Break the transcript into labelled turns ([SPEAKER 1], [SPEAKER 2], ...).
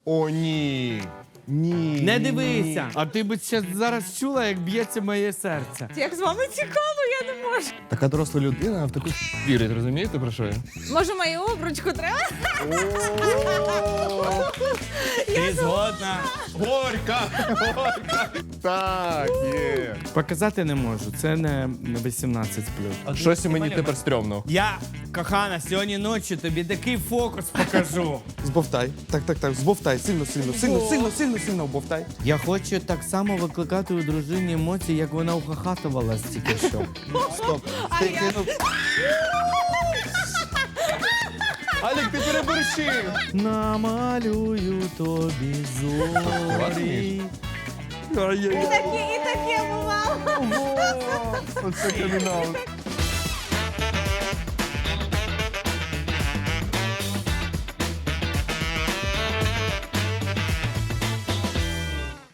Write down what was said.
[SPEAKER 1] О, ні. Ні.
[SPEAKER 2] Не
[SPEAKER 1] ні,
[SPEAKER 2] дивися.
[SPEAKER 1] ні.
[SPEAKER 2] А ти б ще зараз чула, як б'ється моє серце.
[SPEAKER 3] Як з вами цікаво, я не можу.
[SPEAKER 1] Така доросла людина в таку вірить, розумієте, про що я?
[SPEAKER 3] Може, мою обручку треба?
[SPEAKER 2] Ти згодна?
[SPEAKER 1] Горька! Горька! Так, є.
[SPEAKER 2] Показати не можу, це не 18+.
[SPEAKER 1] Щось мені тепер стрьомно.
[SPEAKER 2] Я, кохана, сьогодні ночі тобі такий фокус покажу.
[SPEAKER 1] Збовтай. Так. Збовтай. Сильно вбовтай.
[SPEAKER 2] Я хочу так само викликати у дружині емоції, як вона ухахатувалась тільки що.
[SPEAKER 1] Стоп. Ти кинув. Алік, ти переборщив.
[SPEAKER 2] Намалюю тобі зорі.
[SPEAKER 3] І таке бувало.
[SPEAKER 1] Оце кримінал.